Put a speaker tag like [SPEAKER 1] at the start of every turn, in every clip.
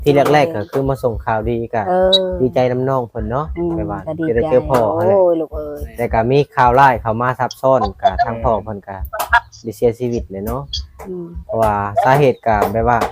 [SPEAKER 1] ที่แรกๆก็คือมาส่งข่าวดีก็ดีใจน้ำน้องเพิ่นเนาะไปว่าจะได้เจอพ่อโอ้ยลูกเอ้ยแต่ก็มีข่าวร้ายเข้ามาซับซ้อนก็ทางพ่อเพิ่นก็ได้เสียชีวิตเลยเนาะเพราะว่าสาเหตุก็แบบว่า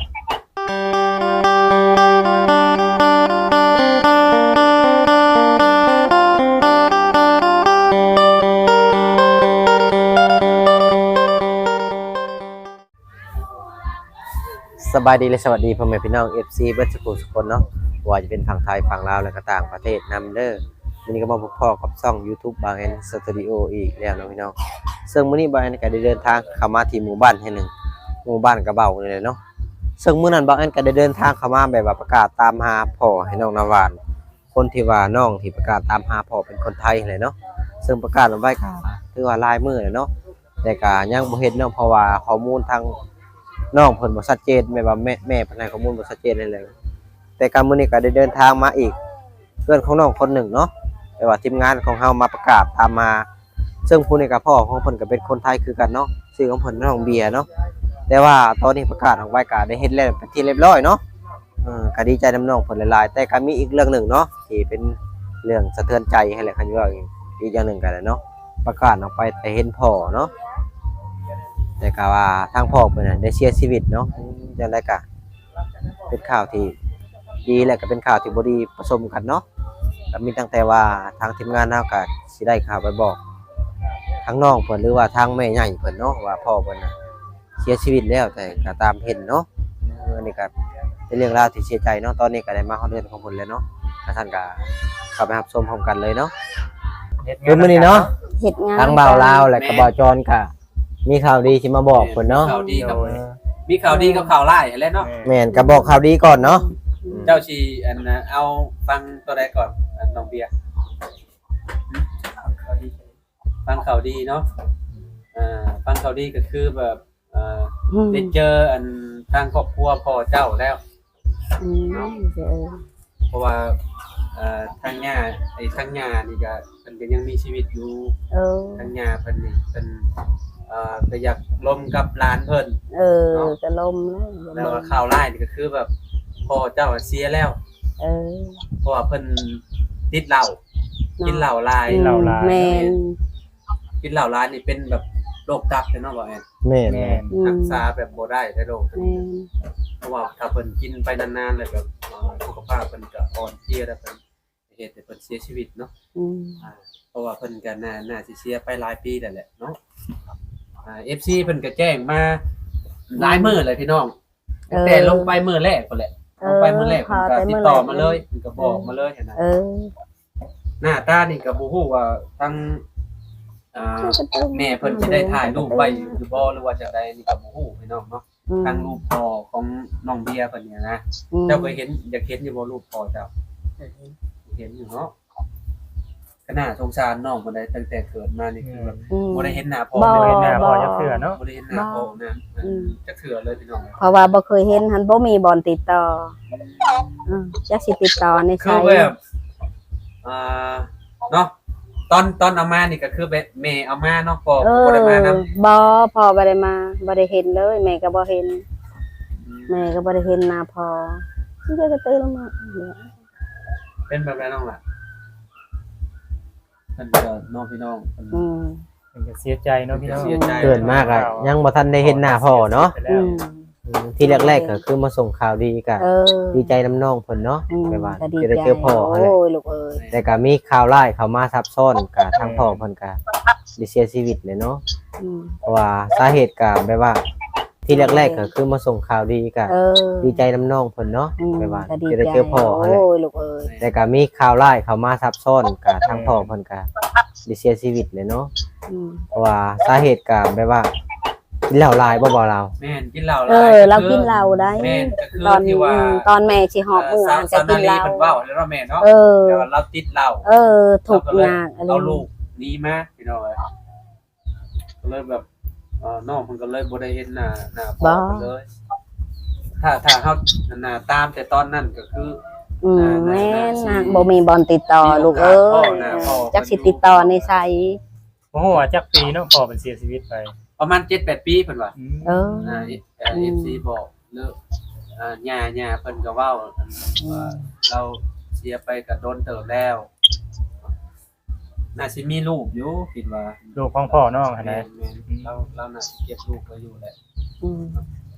[SPEAKER 1] สบายดีและสวัสดีพ่อแม่พี่น้อง FC เบิดทุกคนเนาะว่าจะเป็นฝั่งไทยฝั่งลาวและก็ต่างประเทศนำเด้อวันนี้ก็มาพบพ่อกับช่อง YouTube บางแอนสตูดิโออีกแล้วเนาะพี่น้องซึ่งมื้อนี้บางแอนก็ได้เดินทางเข้ามาที่หมู่บ้านแห่งหนึ่งหมู่บ้านกระเบ้านี่แหละเนาะซึ่งมื้อนั้นบางแอนก็ได้เดินทางเข้ามาแบบว่าประกาศตามหาพ่อให้น้องนาวานคนที่ว่าน้องที่ประกาศตามหาพ่อเป็นคนไทยเลยเนาะซึ่งประกาศเอาไว้ก็ถือว่าลายมือเลยเนาะแต่ก็ยังบ่เห็นเนาะเพราะว่าข้อมูลทางน้องเพิ่นบ่ชัดเจนแม่ว่าแม่เพิ่นให้ข้อมูลบ่ชัดเจนเลยแต่การมื้อนี้ก็ได้เดินทางมาอีกเพื่อนของน้องคนหนึ่งเนาะแต่ว่าทีมงานของเฮามาประกาศตามมาซึ่งผู้นี้ก็พ่อของเพิ่นก็เป็นคนไทยคือกันเนาะชื่อของเพิ่นน้องเบียร์เนาะแต่ว่าตอนนี้ประกาศออกไว้ก็ได้เฮ็ดแล้วเป็นที่เรียบร้อยเนาะก็ดีใจนำน้องเพิ่นหลายๆแต่ก็มีอีกเรื่องหนึ่งเนาะที่เป็นเรื่องสะเทือนใจให้แหละคันว่าอีกอย่างหนึ่งก็ได้เนาะประกาศออกไปแต่เห็นพ่อเนาะแต่ก็ว่าทางพ่อเพิ่นน่ะได้เสียชีวิตเนาะจังได๋ก็เป็นข่าวที่ดีและก็เป็นข่าวที่บ่ดีผสมกันเนาะก็มีตั้งแต่ว่าทางทีมงานเฮาก็สิได้ข่าวไปบอกทั้งน้องเพิ่นหรือว่าทางแม่ใหญ่เพิ่นเนาะว่าพ่อเพิ่นน่ะเสียชีวิตแล้วแต่ก็ตามเห็นเนาะอันนี้ก็เป็นเรื่องราวที่เสียใจเนาะตอนนี้ก็ได้มาฮอดเดือนของเพิ่นแล้วเนาะท่านก็เข้าไปรับชมพร้อมกันเลยเนาะคือมื้อนี้เนาะ
[SPEAKER 2] เฮ็ดงาน
[SPEAKER 1] ทางบ่าวลาวและก็บ่าวจรก็มีข่าวดีสิมาบอกเพิ่นเนาะ
[SPEAKER 3] ข่าวดีกับมีข่าวดีกับข่าวร้ายแหละเนาะ
[SPEAKER 1] แม่นก็บอกข่าวดีก่อนเนาะ
[SPEAKER 3] เจ้าชีอันเอาฟังตัวใดก่อนน้องเบียร์ฟังข่าวดีเนาะฟังข่าวดีก็คือแบบได้เจออันทางครอบครัวพ่อเจ้าแล้วเพราะว่าทางย่าทางย่านี่ก็เพิ่นก็ยังมีชีวิตอยู่ทางย่าเพิ่นนี่เพิ่นก็อยากลมกับหลานเพิ่น
[SPEAKER 2] จะลม
[SPEAKER 3] แล้วข่าวร้ายนี่ก็คือแบบพ่อเจ้าเสียแล้วเพราะว่าเพิ่นติดเหล้ากินเหล้าหลาย
[SPEAKER 2] แม่น
[SPEAKER 3] กินเหล้าหลายนี่เป็นแบบโรคตับเนาะบ่แม่น
[SPEAKER 1] แม่น
[SPEAKER 3] รักษาแบบบ่ได้โรคเพราะว่าถ้าเพิ่นกินไปนานๆแล้วแบบสุขภาพเพิ่นก็อ่อนเพลียแล้วเพิ่นเหตุให้เพิ่นเสียชีวิตเนาะเพราะว่าเพิ่นก็น่าสิเสียไปหลายปีแล้วแหละเนาะFC เพิ่นก็แจ้งมาหลายมื้อเลยพี่น้องแต่ลงไปมื้อแรกพุ่นแหละลงไปมื้อแรกเพิ่นก็ติดต่อมาเลยเพิ่นก็บอกมาเลยนะหน้าตานี่ก็บ่ฮู้ว่าทั้งแม่เพิ่นสิได้ถ่ายรูปไว้อยู่บ่หรือว่าจะได้นี่ก็บ่ฮู้พี่น้องเนาะทางรูปพ่อของน้องเบียร์เพิ่นเนี่ยนะเจ้าเคยเห็นอยากเห็นอยู่บ่รูปพ่อเจ้าเห็นอยู่เนาะก็น่าสงสารน้องเพิ่นได้ตั้งแต่เกิดมานี่คือแบบบ่ได้เห็นหน้าพ่อ
[SPEAKER 4] บ่ได้เห็นหน้าพ่อจักเทื่อเนาะ
[SPEAKER 3] บ่ได้เห็นหน้าพ่อนะจักเทื่อเลยพี่น้อง
[SPEAKER 2] เพราะว่าบ่เคยเห็นหันบ่มีบ่อนติดต่อจักสิติดต่อในไส
[SPEAKER 3] คือแบบเนาะตอนเอามานี่ก็คือแบบแม่เอามาเนาะพ่อบ่ได้มานำ
[SPEAKER 2] บ่พ่อบ่ได้มาบ่ได้เห็นเลยแม่ก็บ่เห็นแม่ก็บ่ได้เห็นหน้าพ่อสิจะตื่นลงมา
[SPEAKER 3] เป็นแบบไรน้องล่ะเพิ่นก็น้องพี่น้องเ
[SPEAKER 4] พิ่นก็เสียใจเนาะพี่น้อง
[SPEAKER 1] เกิดมากอ่ะยังบ่ทันได้เห็นหน้าพ่อเนาะที่แรกๆก็คือมาส่งข่าวดีก็ดีใจน้ำน้องเพิ่นเนาะไปว่าจะได้เจอพ่อโอ้ยลูกเอ้ยแต่ก็มีข่าวร้ายเข้ามาซับซ้อนก็ทางพ่อเพิ่นก็ได้เสียชีวิตเลยเนาะเพราะว่าสาเหตุก็แบบว่าที่แรกๆก็คือมาส่งข่าวดีก็ดีใจน้ำน้องเพิ่นเนาะไปว่าจะได้เจอพ่อโอ้ยลูกเอ้ยแต่ก็มีข่าวร้ายเข้ามาซับซ้อนก็ทางพ่อเพิ่นก็ได้เสียชีวิตเลยเนาะเพราะว่าสาเหตุก็แบบว่ากินเหล้าหลายบ่เรา
[SPEAKER 3] แม่นกินเหล้าหล
[SPEAKER 2] ายเรากินเหล้าได้
[SPEAKER 3] แม่นก็คือที่ว่า
[SPEAKER 2] ตอนแม่สิหอบมื้อ
[SPEAKER 3] จะกินเหล้าเพิ่นเว้าแล้วเนาะแม่เนาะแต่ว่าเราติดเหล้า
[SPEAKER 2] ทุกอย่าง
[SPEAKER 3] เอาลูกหนีมาพี่น้องก็เลยแบบน้องเพิ่นก็เลยบ่ได้เห็นหน้าพ่อเพิ่นเลยถ้าเฮาหน้าตามแต่ตอนนั้นก็คือ
[SPEAKER 2] แม่นบ่มีบ่อนติดต่อลูกเอ้ยจักสิติดต่อในไส
[SPEAKER 4] บ่ฮู้ว่าจักปีเนาะพ่อเพิ่นเสียชีวิตไป
[SPEAKER 3] ประมาณ 7-8 ปีเพิ่นว่าFC บอกเลิกย่าเพิ่นก็เว้าว่าเราเสียไปก็โดนเติบแล้วน่าสิมีลูกอยู่คิดว่า
[SPEAKER 4] ลูกของพ่อน้องหั่น
[SPEAKER 3] แม่
[SPEAKER 4] นะ
[SPEAKER 3] นเราน่าสิเก็บลูกไว้อยู่แหละ
[SPEAKER 2] อืม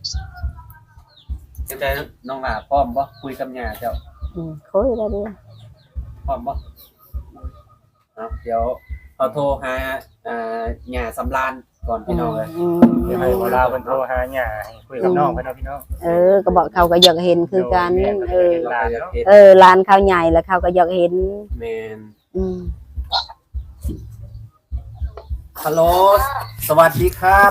[SPEAKER 3] จังไดน้องหลาพร้อมบ่คุยกับย่าเจ้า
[SPEAKER 2] คุยได้เด้อ
[SPEAKER 3] พร้อมบ่เดี๋ยวเอาโทรหาย่าสำราญก่อนพี่น้องเลย
[SPEAKER 4] เดี๋ยวให้บ่ลาวเพิ่นโทรหาย่าให้คุยกับน้องเพิ่นเนาะพี่น้อง
[SPEAKER 2] ก็บอกเขาก็อยากเห็นคือกัน
[SPEAKER 3] หลานเนาะ
[SPEAKER 2] ร้านเขาใหญ่แล้วเขาก็อยากเห็น
[SPEAKER 3] แม่น
[SPEAKER 2] อืม
[SPEAKER 3] ฮัลโหลสวัสดีครับ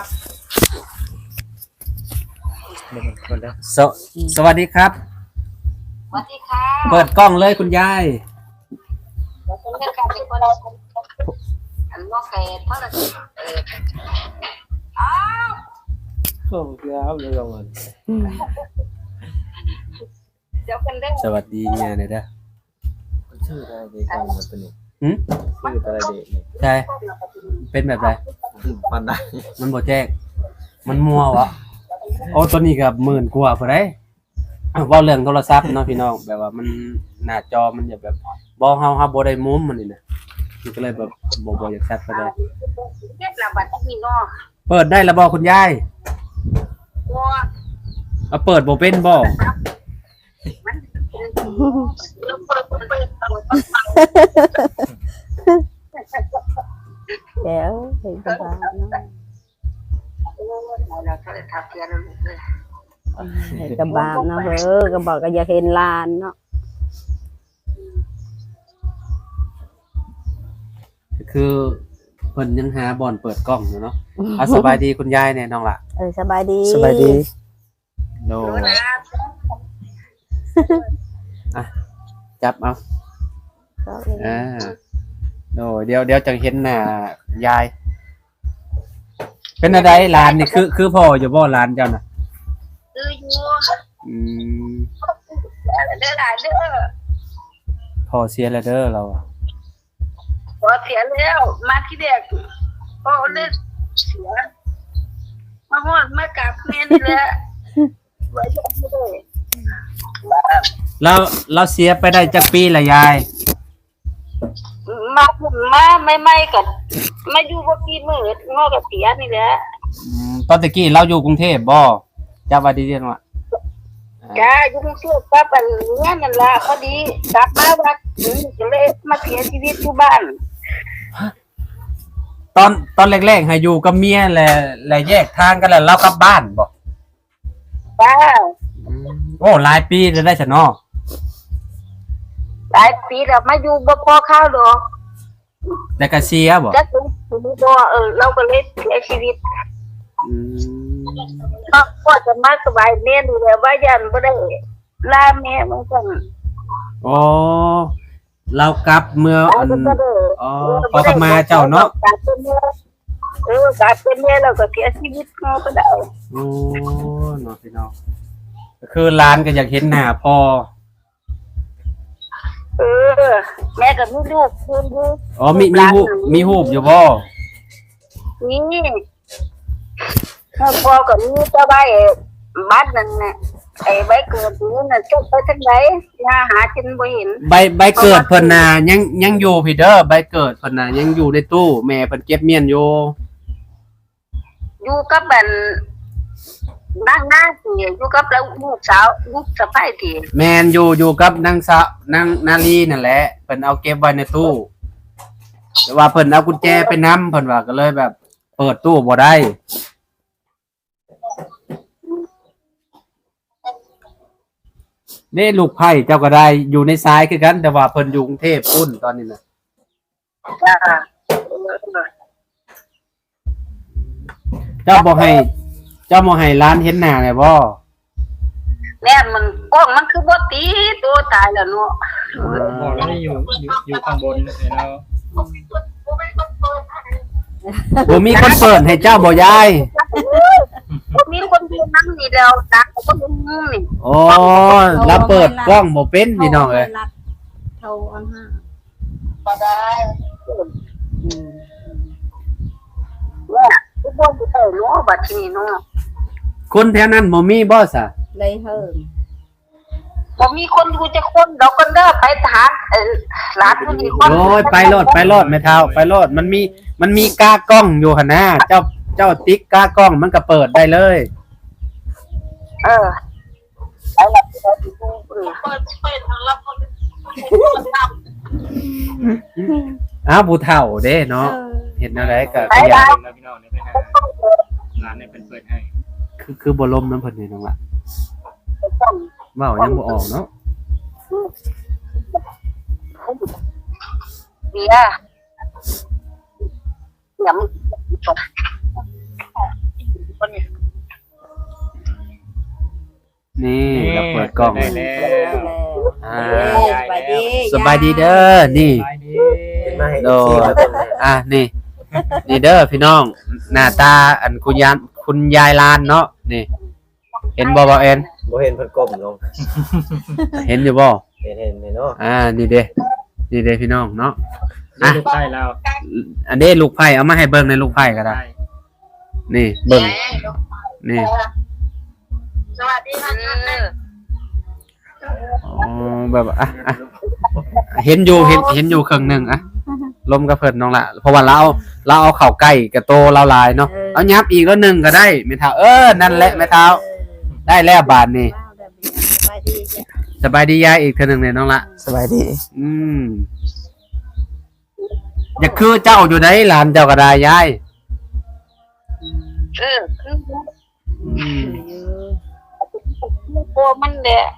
[SPEAKER 4] เดี๋ยวคนแล้ว
[SPEAKER 3] สวัสดีครับ
[SPEAKER 5] สวัสดีค่ะ
[SPEAKER 3] เปิดกล้องเลยคุณยาย
[SPEAKER 5] ผมเป็นการเป็นคนอันนอกเกตเพราะอะไรอ้าว
[SPEAKER 3] โอ้ครับเลยลงมา
[SPEAKER 5] เดี๋ยวกันเด้อ
[SPEAKER 3] สวัสดีเนี่ยเด้อ
[SPEAKER 6] ชื่ออะไรเด็กกันมันเป็นนี่
[SPEAKER 3] หืม
[SPEAKER 6] ชื่ออะไรเด็กนี่
[SPEAKER 3] ใช่เป็นแบบไร
[SPEAKER 6] มันได้
[SPEAKER 3] มันบ่แจ้งมันมัววะโอ้ตัวนี้ก็10,000 กว่าพุ่นเด้เว้าเรื่องโทรศัพท์เนาะพี่น้องแบบว่ามันหน้าจอมันจะแบบบ่เฮาบ่ได้มุมมันนี่นะมันก็เลยแบบบ่อยากชัดปานใด
[SPEAKER 5] เก็บระบาดที่มีนอก
[SPEAKER 3] เปิดได้แล้วบ่คุณยาย
[SPEAKER 5] ตัว
[SPEAKER 3] เอาเปิดบ่เป็นบ่
[SPEAKER 5] มันเป็น
[SPEAKER 2] เดี๋ยวเห็นกันบ้างเนาะ
[SPEAKER 5] เราก็เลยทับเทียนลูกเลย
[SPEAKER 2] เห็นกันบ้างเนาะก็บอกก็อยากเห็นลานเนาะ
[SPEAKER 3] ก็คือเพิ่นยังหาบ่อนเปิดกล้องอยู่เนาะอ่ะสบายดีคุณยายเนี่ยน้องล่ะ
[SPEAKER 2] สบายดี
[SPEAKER 1] สบายดี
[SPEAKER 3] โด
[SPEAKER 5] รู้นะ
[SPEAKER 3] จับเอา
[SPEAKER 2] ก็เลย
[SPEAKER 3] โดเดี๋ยวจังเห็นหน้ายาย เป็นอะไรหลานนี่คือพ่ออยู่บ่หลานเจ้าน่ะ
[SPEAKER 5] อยู่
[SPEAKER 3] อืม
[SPEAKER 5] เด้อหลานเด้อ
[SPEAKER 3] พ่อเสียแล้วเด้อเราอะ
[SPEAKER 5] พอเสียแล้วมาที่เด็กพอเล่นเสียมาหอดมากราบแม่นี่แหละไว้ยังไม่ได้
[SPEAKER 3] เราเสียไปได้จักปีละยาย
[SPEAKER 5] มาไม่กันมาอยู่บ่กี่มื้องอกับเสียนี่แหละ
[SPEAKER 3] ตอนตะกี้เราอยู่กรุงเทพบ่จับว่าดีเด่นว่า
[SPEAKER 5] จ้าอยู่กรุงเทพปั๊บอันเนี้ยนั่นล่ะพอดีกลับมาวัดก็เลยมาเสียชีวิตที่บ้าน
[SPEAKER 3] ตอนแรกๆให้อยู่กับเมียและแยกทางกันแล้วเรากลับบ้านบ่
[SPEAKER 5] จ้า
[SPEAKER 3] โอ้หลายปีจะได้ซะเนาะ
[SPEAKER 5] หลายปีแล้วมาอยู่บ่พอข้าวดอก
[SPEAKER 3] แต่ก็เสียบ่
[SPEAKER 5] จักถึงบ่เราก็เลยเสียชีวิต
[SPEAKER 3] อืม
[SPEAKER 5] ก็จะมาสบายแม่ดูแลว่ายันบ่ได้ลาแม่มันสั่น
[SPEAKER 3] อ๋อเรากลับเมื่ออัน
[SPEAKER 5] ก็ได้
[SPEAKER 3] อ๋อขอขมาเจ้าเนาะ
[SPEAKER 5] กลับเป็นแม่กลับเป็นแม่แล้วก็เสียชีวิตเขาก็ได้
[SPEAKER 3] โอ้เนาะพี่น้องก็คือร้านก็อยากเห็นหน้าพ่อ
[SPEAKER 5] แม่ก็มีลูกคืนดู
[SPEAKER 3] อ๋อมีรูปอยู่บ่
[SPEAKER 5] นี่พ่อก็มีเจ้าใบบ้านนั่นน่ะไอ้ใบเกิดนี่น่ะจบไปทางไหนหาจินบ่เห็น
[SPEAKER 3] ใบเกิดเพิ่นน่ะยังอยู่พี่เด้อใบเกิดเพิ่นน่ะยังอยู่ในตู้แม่เพิ่นเก็บเมียนอยู่
[SPEAKER 5] อยู่กับบันนางนาสิอยู่กับลูกสาวลูกสะใภ้ที่
[SPEAKER 3] แม่นอยู่กับนางสาวนางนาลีนั่นแหละเพิ่นเอาเก็บไว้ในตู้แต่ว่าเพิ่นเอากุญแจไปนำเพิ่นว่าก็เลยแบบ เปิดตู้บ่ได้นี่ลูกไผ่เจ้าก็ได้อยู่ในซ้ายคือกัน แต่ว่าเพิ่นอยู่กรุงเทพพุ่นตอนนี้น่ะ
[SPEAKER 5] จ้า
[SPEAKER 3] เจ้าบ่ให้ร้านเห็นหน้าเลยบ่
[SPEAKER 5] แม่มันกล้องมันคือบ่ตีตัวตายแล้วเนาะ
[SPEAKER 4] พ่อเรานี่อยู่ข้างบนแล้ว
[SPEAKER 3] บ่มีคนเปิดให้เจ้าบ่ยาย
[SPEAKER 5] มีคนดูนั่งนี่แล้วตักก็ดูนี่
[SPEAKER 3] อ๋อแล้วเปิดกล้องบ่เป็นพี่น้องเอ้ย
[SPEAKER 2] โทรอันห้า
[SPEAKER 5] ก็ได้ว่าทุกคนสิเนาะบัดนี้เนาะ
[SPEAKER 3] คนแถวนั้นบ่มีบ่ซะ
[SPEAKER 2] เลยเฮิม
[SPEAKER 5] บ่มีคนอยู่จะคนดอกกันเด้อไปหาหลานผู้นี้คน
[SPEAKER 3] โอ้ยไปโลดแม่เฒ่าไปโลดมันมีกากล้องอยู่หั่นนะเจ้าติ๊กกากล้องมันก็เปิดได้เลย
[SPEAKER 5] ไปละไปทางรับคน
[SPEAKER 3] อ้าวผู้เฒ่าเด้เนาะเห็นอะไรก็
[SPEAKER 5] ไป
[SPEAKER 3] อยา
[SPEAKER 5] ได้
[SPEAKER 3] ก
[SPEAKER 4] แล้วพี่น้องเนี่ยไปหาร้านเนี่ยเป็นเปิดให้
[SPEAKER 3] คือบ่ลมน้ำเพิ่นนี่น้องล่ะเว้ายังบ่ออกเนาะ
[SPEAKER 5] เบียร์อย่ามึงคนนี้
[SPEAKER 3] นี่เราเปิดกล้อง
[SPEAKER 4] ได้แล้ว
[SPEAKER 3] อ่า
[SPEAKER 2] สบายดี
[SPEAKER 3] สบายดีเด้อนี่
[SPEAKER 4] ไปดี
[SPEAKER 1] มาให้
[SPEAKER 3] โด
[SPEAKER 1] FC มาเบิ่งแน่
[SPEAKER 3] นี่เด้อพี่น้องหน้าตาอันคุณยายลานเนาะนี่ เห็นบ่เอ็น
[SPEAKER 1] บ่เห็นเพิ่นก้มลง
[SPEAKER 3] เห็นอยู่บ่
[SPEAKER 1] เห็นเนาะ
[SPEAKER 3] นี่เด้พี่น้องเนาะ
[SPEAKER 4] นี่ลูกได้แล้ว
[SPEAKER 3] อันนี้ลูกไผ่เอามาให้เบิ่งในลูกไผ่ก็ได้ นี่เบิ่งนี่
[SPEAKER 5] สวัสดีค่ะ
[SPEAKER 3] อ๋อแบบเห็นอยู่ครึ่งหนึงลมกับเพิ่นน้องละเพราะว่าเราเอาเข้าใกล้กับโตเราหลายเนาะเอายับอีกแล้วนึงก็ได้แม่เฒ่านั่นแหละแม่เฒ่าได้แล้วบาดนี้สบายดียายอีกเทื่อนึงเนี่ยน้องละ
[SPEAKER 1] สบายดี
[SPEAKER 3] อย่าคือเจ้าอยู่ไหนหลานเจ้าก็ได้ยาย
[SPEAKER 5] คือโกมันแหละ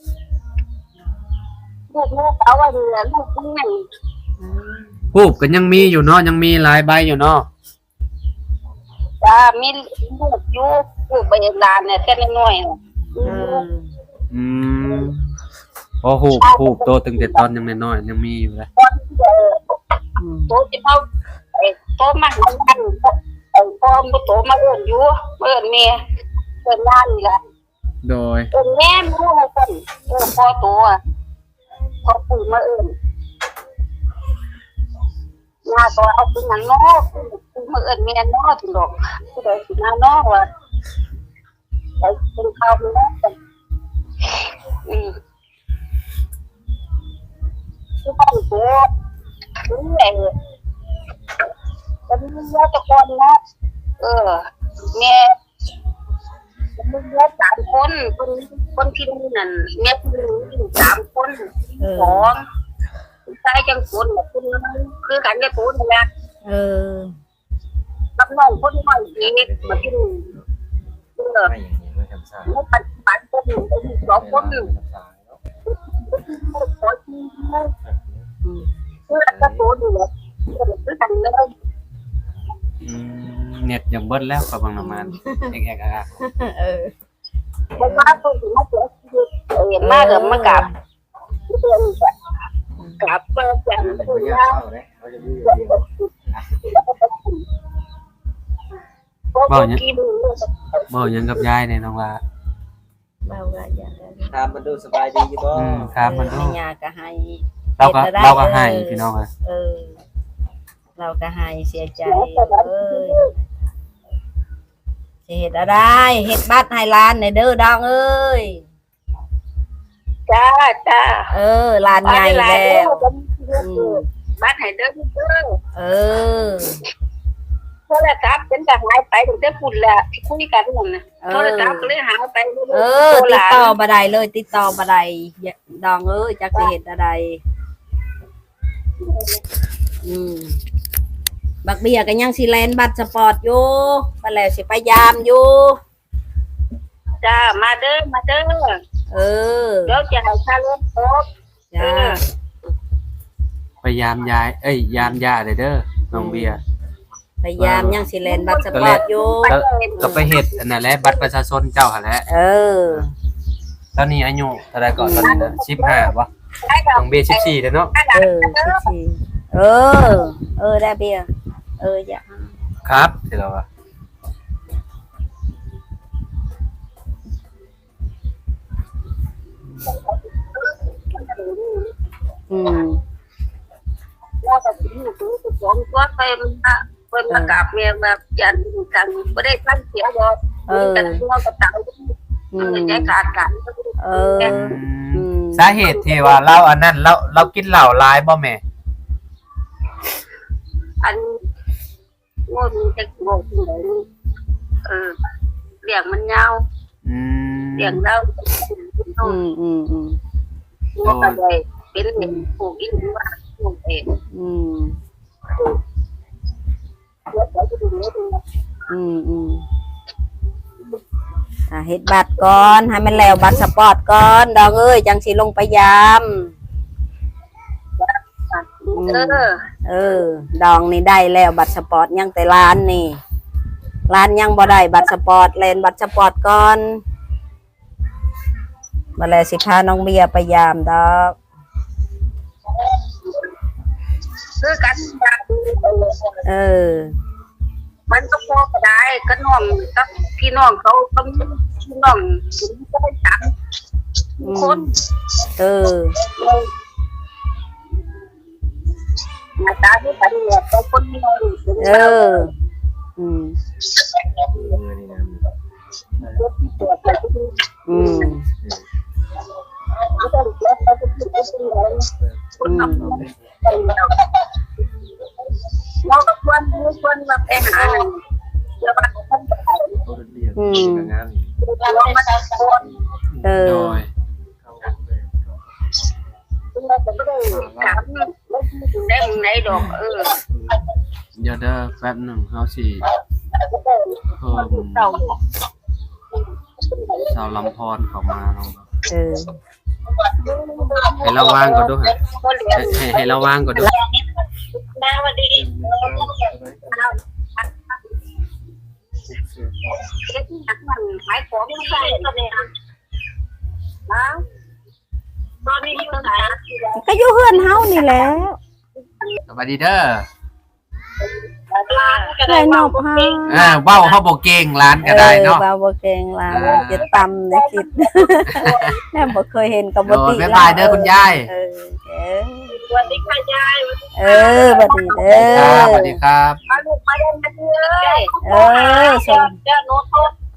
[SPEAKER 5] ลูกเอาไว้เหลือลูกนี่
[SPEAKER 3] ฮูบก็ยังมีอยู่เนาะยังมีหลายใบอยู่เนาะ
[SPEAKER 5] จ้ามีลูกอยู่ลูกใบลานเนี่ยแต่น้อย
[SPEAKER 3] พอฮูบโตตั้งแต่ตอนยังน้อยๆยังมีอยู่เลย
[SPEAKER 5] โตจะเอาโตมาหันพ่อมาโตมาเอิ้นอยู่เอิ้นแม่เอิ้นล้านนี่ล่ะ
[SPEAKER 3] โดย
[SPEAKER 5] เอิ้นแม่รู้ว่าซั่นพ่อโตพ่อปู่มาเอิ้นย่าก็เอาเป็นหยังเนาะปู่มาเอิ้นแม่เนาะถึงดอกผู้ใดสิมาเนาะว่าไปกินข้าวเนาะคือบ้านโตนี่แหละจะมีเยอะตะกอนนะแม่มีเยอะ3 คนที่นี่นั่นแม่ที่นี่3 คน2ชายจังคนคุณคือกันกับตัวนี่แหละกับน้องคนน้อยอีกมาที่นี่
[SPEAKER 6] ไม่อย่างนี้ไม่ทำซ่า
[SPEAKER 5] ไม่ปัจจุบันคน2 คนขอที่คือกับตัวนี่แหละคือกันเลย
[SPEAKER 3] เน็ตยังเบิดแล้วกับบางน้ำมันแอก
[SPEAKER 5] มันมาตัวที่มาเจอเห็นมากเลยมากราบเดือนกราบเปิดแจ่ม
[SPEAKER 6] เขา
[SPEAKER 5] ตัว
[SPEAKER 6] อยาก
[SPEAKER 5] ยา
[SPEAKER 6] เข้าเลยเขาจะอยู่อย่างเดียว
[SPEAKER 5] บ่กิน
[SPEAKER 3] บ่ยังกับยายเนี่ยน้องละ
[SPEAKER 1] ถามมันดูสบายดีอยู่บ่
[SPEAKER 3] ครับมันดู
[SPEAKER 2] ยาก็ให้
[SPEAKER 3] เราก็ให้พี่น้องเลย
[SPEAKER 2] เราก็ให้เสียใจสิเฮ็ดอะไรเฮ็ดบัตรให้หลานในเด้อดองเอ้ย
[SPEAKER 5] จ้า
[SPEAKER 2] หลานใหญ่แล้ว
[SPEAKER 5] บ้านให้เด้อ โทรศัพท์เป็นก็หายไปตั้งแต่ฝุ่นแหละคุยกันนั่นน่ะโทรศัพท์ก็เลยหายไป
[SPEAKER 2] ติดต่อบ่ได้เลยติดต่อบ่ได้ดองเอ้ยจักสิเฮ็ดอะไรบักเบียก็ยังสิแลนบัตรสปอร์ตอยู่บัดแล้วสิพยายามอยู่
[SPEAKER 5] จ้ามาเด้อเดี๋ยวจะให้ค่ารถครบ
[SPEAKER 2] จ้า
[SPEAKER 3] พยายามยามยาเด้อน้องเบียร์
[SPEAKER 2] พยายามยังสิแลนบัตรสปอร์ตอยู่
[SPEAKER 3] ก็ไปเฮ็ดอันนั้นแหละบัตรประชาชนเจ้าหั่นแหละ ตอนนี้อายุเท่าไหร่ก่อนตอนนี้นะ15บ่น้องเบียร์14เด้อเนาะ
[SPEAKER 2] ได้เบียร์อย่า
[SPEAKER 3] ครับสิเราอะ
[SPEAKER 5] ว่าแต่ที่อยู่ตัวผมก็เป็นมากราบเมียแบบยันกันไม่ได้ตั้งเสียบ่แต่ตัวกับเต่าใจขาดกัน
[SPEAKER 3] สาเหตุที่ว่าเราอันนั้นเรากินเหล้าหลายบ่แม่
[SPEAKER 5] อันงนจะงงที่ไหนเลี้ยงมันยาว
[SPEAKER 3] อืม
[SPEAKER 5] เลี้ยงแล้ว ว่าก็ได้เป็นเด็กปลูกอินว่าปลูกเอง
[SPEAKER 2] เฮ็ดบัตรก่อนให้มันแล้วบัตรสปอร์ตก่อนดอกเอ้ยจังสิลงไปยาม ดองนี่ได้แล้วบัตรสปอร์ตยังแต่ร้านนี่ร้านยังบ่ได้บัตรสปอร์ตเล่นบัตรสปอร์ตก่อนมาแล้วสิพาน้องเบียร์ไปยามดอก
[SPEAKER 5] คือกัน มันก็พอก็ได้ก็น้องกับพี่น้องเขาก็พี่น้องก็ได้จับคนอาจารย์ที่ปฏิบัติก็คนมีมือ
[SPEAKER 6] นี่นะ
[SPEAKER 5] เราก็ควรมาไปหาแล้วมันก็ต้อง
[SPEAKER 6] เขาเรียกงาน
[SPEAKER 5] เรามาจากคน
[SPEAKER 3] โดย
[SPEAKER 5] เราจะไม่ได้ถามได้มึงไหนดอก
[SPEAKER 3] เดี๋ยวเด้อแป๊บหนึงเฮาสิเพิ่มสาวลำพรเข้ามาลองให้ระวังก่อนด้วยให้ระวังก่อนด้วย
[SPEAKER 5] น้าวันดีมันขายของไม่ใช่ตอนนี้นะตอนนี้อยู่ไหน
[SPEAKER 2] ก็อยู่เฮือนเฮานี่แหละ
[SPEAKER 3] สวัสดีเด้อ
[SPEAKER 2] ได้นอกเฮา
[SPEAKER 3] เว้าเฮาบ่เก่งร้านก็ได้เนาะ
[SPEAKER 2] เว้าบ่เก่งล่ะจะตำได้คิดแม่บ่เคยเห็นก็บ่ติ
[SPEAKER 3] บ๊ายบายเด้อคุณยาย
[SPEAKER 5] สวัสดีค่ะยาย
[SPEAKER 2] บัดนี้เด้อ
[SPEAKER 3] สวัสดีครับ
[SPEAKER 5] มาลูกมาเล่นกันเลย
[SPEAKER 2] ส่ง
[SPEAKER 5] เจ้าโน้ต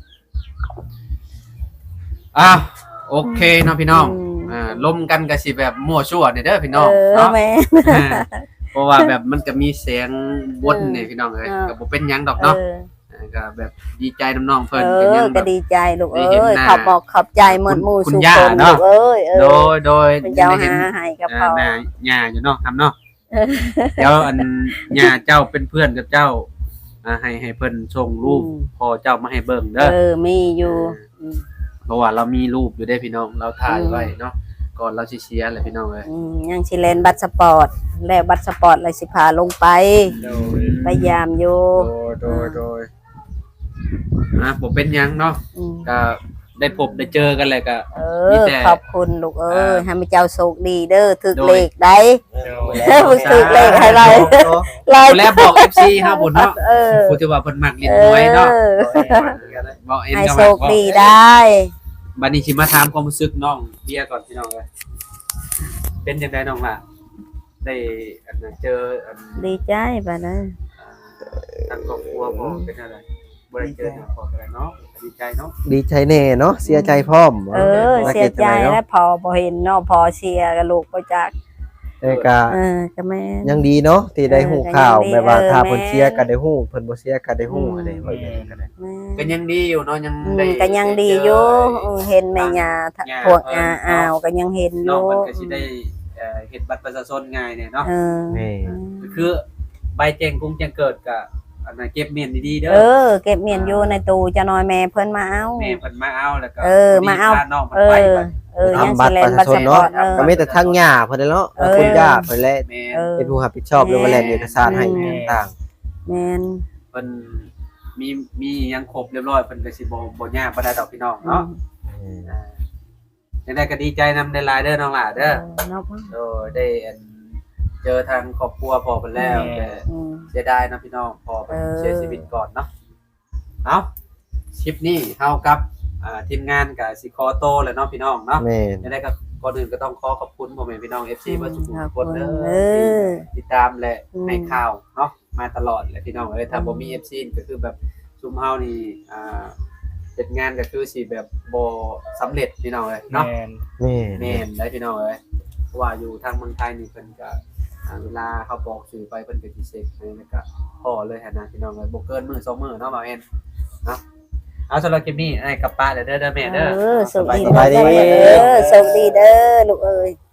[SPEAKER 3] โอเคเนาะพี่น้องล้มกันก็สิแบบมั่วซั่วนี่เด้อพี่น้องเนาะ
[SPEAKER 2] แม่
[SPEAKER 3] เพราะว่าแบบมันก็มีเสียงวนนี่พี่น้องเอ้ยก็บ่เป็นหยังดอกเนาะก็แบบดีใจน้องๆเพิ่นก็ยัง
[SPEAKER 2] ก็ดีใจลูกเอ้ยขอบใจหมดหมู่สุขคนลูก
[SPEAKER 3] โดย
[SPEAKER 2] เจ้าหาให้กับพ่อ
[SPEAKER 3] แม่ย่าอยู่เนาะครับเนาะเดี๋ยวอันย่าเจ้าเป็นเพื่อนกับเจ้าให้เพิ่นส่งรูปพอเจ้ามาให้เบิ่งเด้อ
[SPEAKER 2] มีอยู่
[SPEAKER 3] เพราะว่าเรามีรูปอยู่ได้พี่น้องเราถ่ายไว้เนาะก่อนเราสิเชียร์แหละพี่น้องเอ้ย
[SPEAKER 2] ยังสิเล่นบัตรสปอร์ตแล้วบัตรสปอร์ตเลยสิพาลงไปพยายามอยู่
[SPEAKER 3] โดยผมเป็นหยังเนาะก็ได้พบได้เจอกันแหละก็
[SPEAKER 2] ขอบคุณลูกเอ้ยให้แม่เจ้าโชคดีเด้อถึกเลขได้ถึกเลขให้เรา
[SPEAKER 3] แล้วบอก FC เฮาบุญเนาะผู้ที่ว่าเพิ่นมักเล่นหวยเนาะบอกเอ็น
[SPEAKER 2] ให้
[SPEAKER 3] ก็
[SPEAKER 2] โชคดีได้
[SPEAKER 3] บัดนี้สิมาถามความรู้สึกน้องเบียร์ก่อนพี่น้องเอ้ยเป็นจังได๋น้องล่ะได้เจอ
[SPEAKER 2] ดีใจบัดนั้น
[SPEAKER 3] ทางครอบครัวบ่เป็นอะไรบ่ได้เจอพอกันเนาะดีใจเนาะ
[SPEAKER 1] ดีใจแน่เนาะเสียใจพร้อม
[SPEAKER 2] เสียใจแล้วพอบ่เห็นเนาะพอเชียร์กับลูกบ่จัก
[SPEAKER 1] ก็แม่ยังดีเนาะที่ได้ฮู้ข่าวแบบว่าถ้าเพิ่นเชียร์ก็ได้ฮู้เพิ่นบ่เชียร์ก็ได้ฮู้อะไรว่าอย่างนั้นก็ได้
[SPEAKER 3] ก็ยังดีอยู่เนาะยังได้
[SPEAKER 2] ก็ยังดีอยู่เห็นแม่ย่าพวกอ้าวก็ยังเห็นอยู่
[SPEAKER 3] มันก็สิได้เฮ็ดบัตรประชาชนง่ายเนี่ยเนาะคือใบแจ้งกุ้งแจ้งเกิดก็อันนั้นเก็บเมียนดีๆเด้อ
[SPEAKER 2] เก็บเมียนอยู่ในตู้จะน้อยแม่เพิ่นมาเอา
[SPEAKER 3] แม่เพิ่นมาเอาแล้วก็
[SPEAKER 2] มาเอา
[SPEAKER 3] น้องเพิ่นไป
[SPEAKER 1] ยังสิแลนบัตรประชาชนเนาะก็มีแต่ทางย่าเพิ่นเนาะคุณย่าเพิ่นแหละเป็นผู้รับผิดชอบเรื่องแลนเอกสารให้ต่าง
[SPEAKER 2] แม่น
[SPEAKER 3] เพิ่นมียังครบเรียบร้อยเพิ่นก็สิบ่ยากบ่ได้ดอกพี่น้องเนาะจังได๋ก็ดีใจนำได้หลายเด้อน้องหล่าเด้อได้เจอทางครอบครัวพ่อเพิ่นแล้วแต่เสียดายนะพี่น้องพ่อเพิ่นเสียชีวิตก่อนเนาะเอาคลิปนี้เฮากับทีมงานก็สิขอโตแล้วเนาะพี่น้องเนาะจังได๋ก็ก่อนอื่นก็ต้องขอบคุณพ่อแม่พี่น้อง FC บ่ทุกคนเด้อติดตามและให้ข่าวเนาะมาตลอดแหละพี่น้องถ้าบ่มี FC ก็คือแบบซุมเฮานี่เฮ็ดงานก็คือสิแบบบ่สำเร็จพี่น้องเอ้ยเนาะ
[SPEAKER 4] แม่น
[SPEAKER 3] แม่นได้พี่น้องเอ้ยเพราะว่าอยู่ทางเมืองไทยนี่เพิ่นก็เวลาเขาบอกสื่อไปเพิ่นก็สิเช็คให้แล้วก็พอเลยหั่นนะพี่น้องเอ้ยบ่เกินมื้อ2มื้อเนาะบ่าวแอนเนาะเอาสำหรับคลิปนี้ไอ้กับป้าเด้อแม่เด้อ
[SPEAKER 2] สวัสดีเด้อสวัสดีเด้อลูกเอ้ย